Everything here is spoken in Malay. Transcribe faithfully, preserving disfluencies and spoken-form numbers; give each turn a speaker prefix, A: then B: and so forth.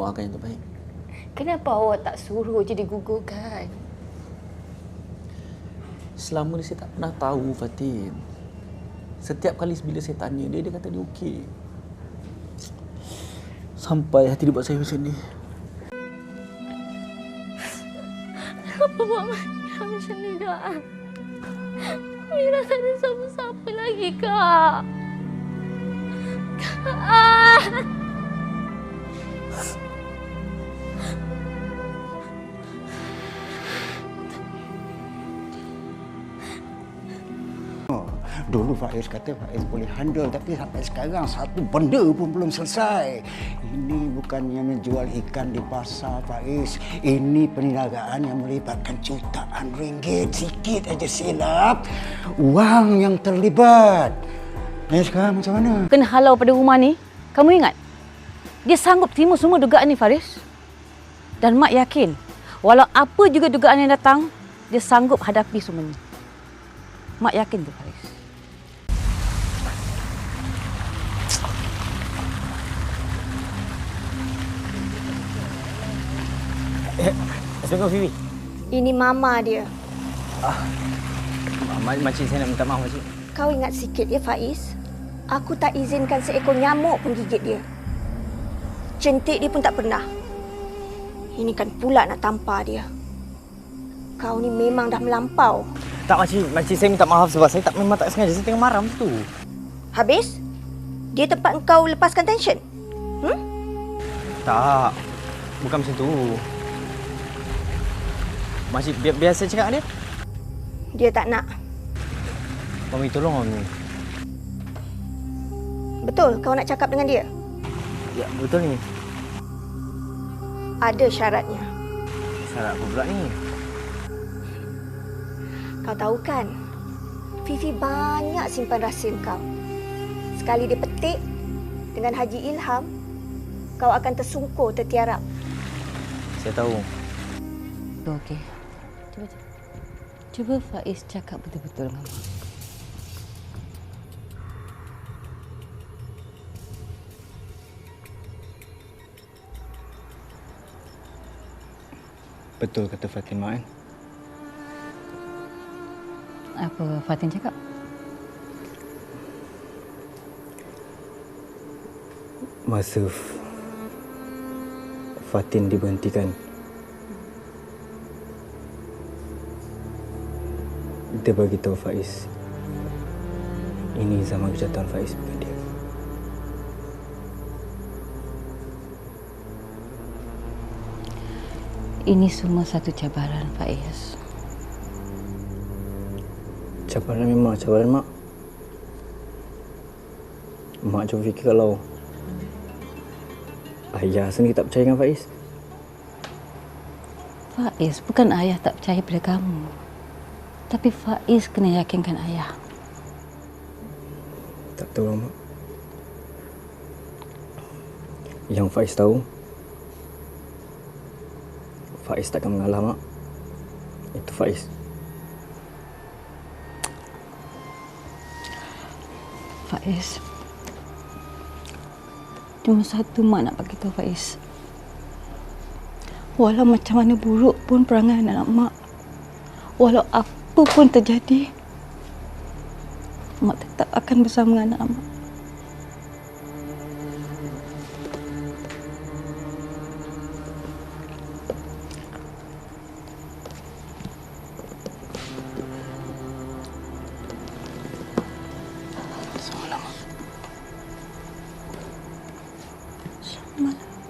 A: doakan yang terbaik.
B: Kenapa awak tak suruh je digugurkan?
A: Selama ni saya tak pernah tahu, Fatin. Setiap kali bila saya tanya dia, dia kata dia okey. Sampai hati dia buat saya macam ni.
B: Kenapa buat macam ni, Kak? Mira tak ada siapa-siapa lagi, Kak. Kak!
C: Dulu Faiz kata Faiz boleh handle, tapi sampai sekarang satu benda pun belum selesai. Ini bukannya menjual ikan di pasar, Faiz. Ini perniagaan yang melibatkan jutaan ringgit. Sikit aja silap, wang yang terlibat. Eh, sekarang macam mana?
D: Kena halau pada rumah ni, kamu ingat? Dia sanggup terima semua dugaan ni, Faris. Dan Mak yakin, walau apa juga dugaan yang datang, dia sanggup hadapi semua ni. Mak yakin tu, Faris.
E: Assalamualaikum, Fifi.
F: Ini mama dia.
E: Ah, makcik, saya nak minta maaf, makcik.
F: Kau ingat sikit ya, Faiz. Aku tak izinkan seekor nyamuk pun gigit dia. Centik dia pun tak pernah. Ini kan pula nak tampar dia. Kau ni memang dah melampau.
E: Tak, makcik. Makcik, saya minta maaf sebab saya tak memang tak sengaja. Saya tengah marah tu.
F: Habis? Dia tempat kau lepaskan tension? Hmm?
E: Tak. Bukan macam tu. Makcik, biar, biar saya cakap dengan dia.
F: Dia tak nak.
E: Mami, tolong Mami.
F: Betul kau nak cakap dengan dia?
E: Ya, betul ni.
F: Ada syaratnya.
E: Syarat apa pula ni?
F: Kau tahu kan, Fifi banyak simpan rahsia kau. Sekali dia petik dengan Haji Ilham, kau akan tersungkur, tertiarap.
E: Saya tahu.
D: Okey. Cuba, cuba. Cuba Faiz cakap betul-betul dengan Mak.
E: Betul kata Fatimah kan?
D: Apa Fatin cakap?
E: Masa Fatin diberhentikan, dia bagi tahu Faiz, ini zaman kejahatan Faiz bukan dia.
D: Ini semua satu cabaran, Faiz.
E: Cabaran memang cabaran, Mak. Mak cuba fikir kalau ayah sendiri tak percaya dengan Faiz.
D: Faiz, bukan ayah tak percaya pada kamu. Tapi Faiz kena yakinkan ayah.
E: Tak tahu lah, Mak. Yang Faiz tahu, Faiz takkan mengalah, Mak. Itu Faiz.
D: Faiz, cuma satu Mak nak bagi tahu Faiz. Walau macam mana buruk pun perangai anak Mak, walau apa pun terjadi, Mak tetap akan bersama dengan anak Mak. Selamat. Selamat.